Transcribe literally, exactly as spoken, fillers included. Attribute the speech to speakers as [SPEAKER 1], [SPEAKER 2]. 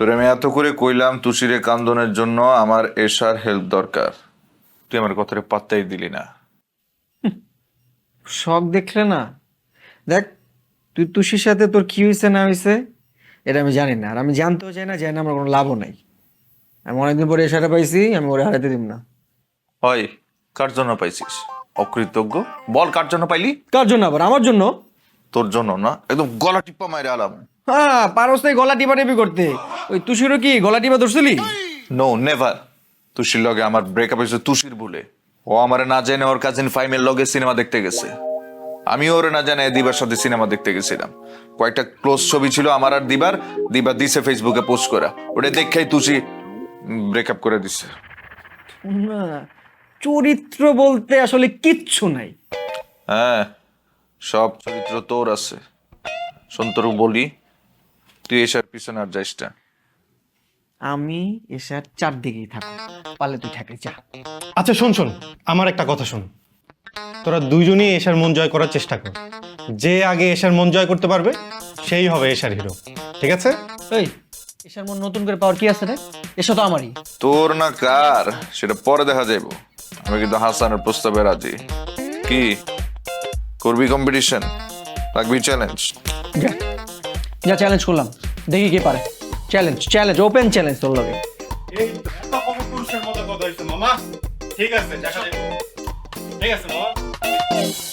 [SPEAKER 1] তোরে আমি এত করে কইলাম তুষিরে কান্দনের জন্য আমার এশার হেল্প দরকার, তুই আমার কথাটা পাত্তাই দিলি না।
[SPEAKER 2] শখ দেখলে না, দেখ তুই তুষির সাথে তোর কি হয়েছে না হয়েছে এটা আমি জানি না, আর আমি জানতেও চাই না, জানি না আমার কোনো লাভও নাই। আমি অনেকদিন পরে এসাটা পাইছি, আমি ওরে হারাতে দিব না।
[SPEAKER 1] হয়, কার জন্য পাইছিস? অকৃতজ্ঞ, বল কার জন্য পাইলি?
[SPEAKER 2] কার জন্য আবার? আমার জন্য।
[SPEAKER 1] তোর জন্য না, একদম গলা টিপ্পা মাইরে আলাম।
[SPEAKER 2] হ্যাঁ, পারস তাই গলা টিপা টিপি করতে। ওই তুষিরও কি গলা টিপা ধরছিলি?
[SPEAKER 1] No never. তুষির লগে আমার ব্রেকআপ হয়েছে তুষির ভুলে। ও আমারে না জেনে ওর কাজিন ফাইমের লগে সিনেমা দেখতে গেছে, আমি ওরে না জানে দিবার সাথে সিনেমা দেখতে গেছিলাম। কয়েকটা ক্লোজ ছবি ছিল আমার আর দিবার, দিবা দিছে ফেসবুকে পোস্ট করা, ওটা দেখেই তুষি ব্রেকআপ করে দিছে।
[SPEAKER 2] না, চরিত্র বলতে আসলে কিচ্ছু নাই।
[SPEAKER 1] হ্যাঁ, সব চরিত্র তোর আছে। সন্তরু বলি, তুই এসার পিছনে আর যাইস না।
[SPEAKER 2] আমি এসার চারদিকেই থাকো, পারলে তুই ঠেকে যা।
[SPEAKER 3] আচ্ছা শোন শোন, আমার একটা কথা শোন। তোরা দুইজনই এশার মন জয় করার চেষ্টা কর। যে আগে এশার মন জয় করতে পারবে সেই হবে এশার হিরো, ঠিক আছে?
[SPEAKER 2] এই এসার মন নতুন করে পাওয়ার কি আছে রে? এসা তো আমারই।
[SPEAKER 1] তোর না কার সেটা পরে দেখা যাইব। আমি কিন্তু হাসানের প্রস্তাবে রাজি। কি করবি? কম্পিটিশন রাখবি? চ্যালেঞ্জ?
[SPEAKER 2] যা যা, চ্যালেঞ্জ করলাম, দেখি কে পারে। চ্যালেঞ্জ চ্যালেঞ্জ ওপেন চ্যালেঞ্জ তোর লগে।
[SPEAKER 3] এই এত অপপুরুষের মতো কথা হইছে মামা। ঠিক আছে, দেখা যাবে। ঠিক আছে মামা।